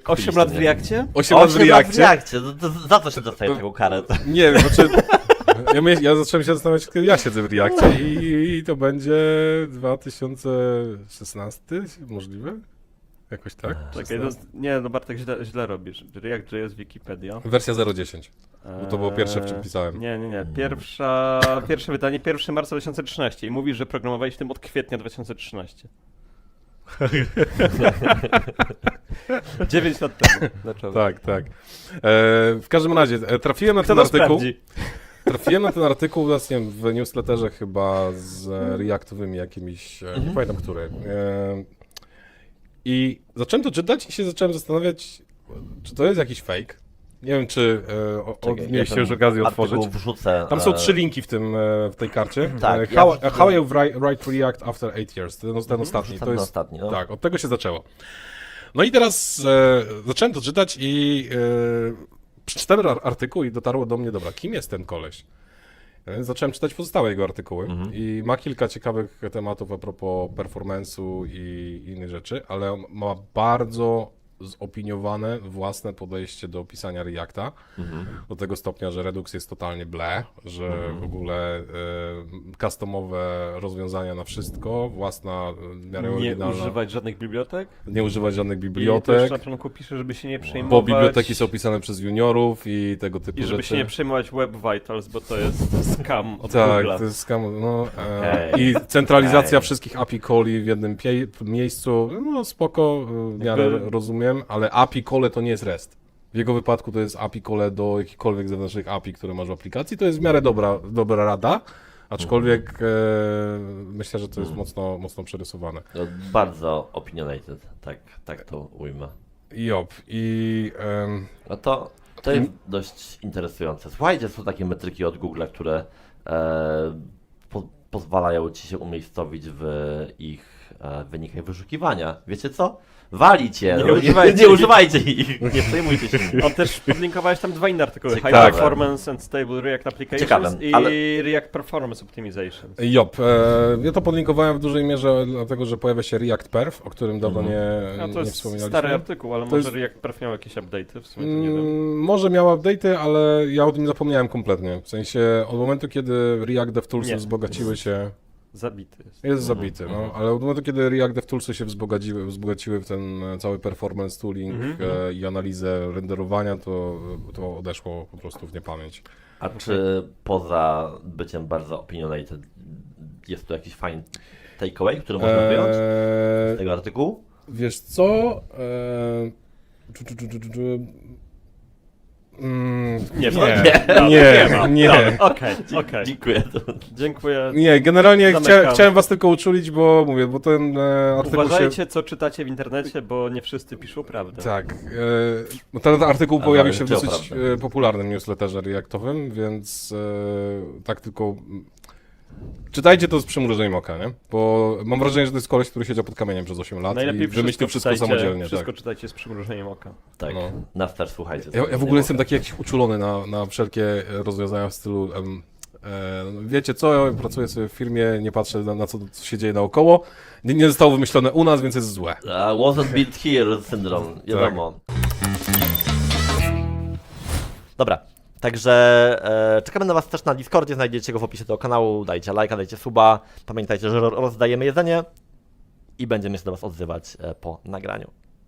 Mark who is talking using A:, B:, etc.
A: 8 lat w Reakcie?
B: 8 lat w Reakcie.
C: Za co się dostaje taką karę?
B: Nie wiem, znaczy... Ja zacząłem się zastanawiać, kiedy ja siedzę w Reakcie i to będzie 2016, możliwe? Jakoś tak?
A: Czekaj, nie, no Bartek, źle robisz. React.js Wikipedia.
B: Wersja 0.10, bo to było pierwsze, w czym pisałem.
A: Nie. Pierwsze wydanie 1 marca 2013 i mówisz, że programowałeś w tym od kwietnia 2013. 9 lat temu. Dlaczego?
B: Tak. W każdym razie, trafiłem na
A: Kto
B: ten
A: to
B: artykuł.
A: sprawdzi?
B: Trafiłem na ten artykuł właśnie w newsletterze chyba z reaktowymi jakimiś, nie pamiętam który. I zacząłem to czytać i się zacząłem zastanawiać, czy to jest jakiś fake. Nie wiem, czy mieliście już okazję otworzyć.
C: Wrzucę,
B: Tam są 3 linki w tej karcie.
C: Tak,
B: How you write React after 8 years. Ten ostatni. To jest,
C: ostatni, no.
B: Tak, od tego się zaczęło. No i teraz zacząłem to czytać i przeczytałem artykuł i dotarło do mnie, dobra, kim jest ten koleś? Więc zacząłem czytać pozostałe jego artykuły i ma kilka ciekawych tematów a propos performance'u i innych rzeczy, ale ma bardzo zopiniowane własne podejście do pisania Reacta, do tego stopnia, że Redux jest totalnie ble, że w ogóle customowe rozwiązania na wszystko, własna, w miarę
A: Nie
B: oryginalna.
A: używać żadnych bibliotek?
B: Nie używać żadnych
A: I też
B: bibliotek,
A: na początku pisze, żeby się nie przejmować.
B: bo biblioteki są pisane przez juniorów i tego typu
A: I żeby
B: rzeczy.
A: się nie przejmować Web Vitals, bo to jest scam od
B: Tak,
A: Google'a.
B: to jest skam, no,
C: Okej.
B: i centralizacja
C: Okej.
B: wszystkich API calli w jednym miejscu, no spoko, w miarę
A: Jakby-
B: rozumiem, ale API call to nie jest REST. W jego wypadku to jest API call do jakichkolwiek zewnętrznych API, które masz w aplikacji, to jest w miarę dobra rada, aczkolwiek myślę, że to jest mocno przerysowane.
C: No, bardzo opinionated, tak to ujmę. No to jest dość interesujące. Słuchajcie, są takie metryki od Google, które pozwalają ci się umiejscowić w ich wynikach wyszukiwania. Wiecie co? Walicie! Nie używajcie ich! Nie przejmujcie się nimi.
A: On też podlinkowałeś tam 2 inne artykuły. High
C: Ciekawe.
A: Performance and Stable React Applications
C: Ciekawe,
A: i
C: ale-
A: React Performance Optimization.
B: Ja to podlinkowałem w dużej mierze, dlatego że pojawia się React Perf, o którym dawno
A: A to
B: nie
A: jest
B: wspominaliśmy.
A: stary artykuł, ale
B: To
A: może
B: jest-
A: React Perf miał jakieś update'y, w sumie to nie wiem.
B: Może miała update'y, ale ja o tym zapomniałem kompletnie. W sensie od momentu, kiedy React
A: Nie.
B: DevToolsy wzbogaciły się...
A: Zabity jest.
B: Jest zabity, no, ale od momentu, kiedy React DevToolsy się wzbogaciły w ten cały performance tooling i analizę renderowania, to odeszło po prostu w niepamięć.
C: A czy poza byciem bardzo opinionated jest tu jakiś fajny takeaway, który można wyjąć z tego artykułu?
B: Wiesz co? Nie.
A: Okej.
C: Dziękuję.
A: Dziękuję.
B: Nie, generalnie
A: Zamykam.
B: chciałem was tylko uczulić, bo ten artykuł
A: Uważajcie, co czytacie w internecie, bo nie wszyscy piszą prawdę.
B: Tak. No ten artykuł pojawił się w
C: czy
B: dosyć
C: prawda?
B: popularnym newsletterze reaktowym, więc tak tylko... Czytajcie to z przymrużeniem oka, nie? Bo mam wrażenie, że to jest koleś, który siedział pod kamieniem przez 8 lat
A: Najlepiej
B: i wymyślił wszystko
A: czytajcie,
B: samodzielnie.
A: Wszystko
B: Tak.
A: czytajcie z przymrużeniem oka.
C: Tak,
B: No.
C: nas też słuchajcie.
B: Ja w ogóle jestem taki jakiś uczulony na wszelkie rozwiązania w stylu wiecie co, ja pracuję sobie w firmie, nie patrzę na co się dzieje naokoło, nie zostało wymyślone u nas, więc jest złe.
C: Wasn't built here syndrome, wiadomo. Dobra, także czekamy na was też na Discordzie, znajdziecie go w opisie tego kanału, dajcie lajka, dajcie suba, pamiętajcie, że rozdajemy jedzenie i będziemy się do was odzywać po nagraniu.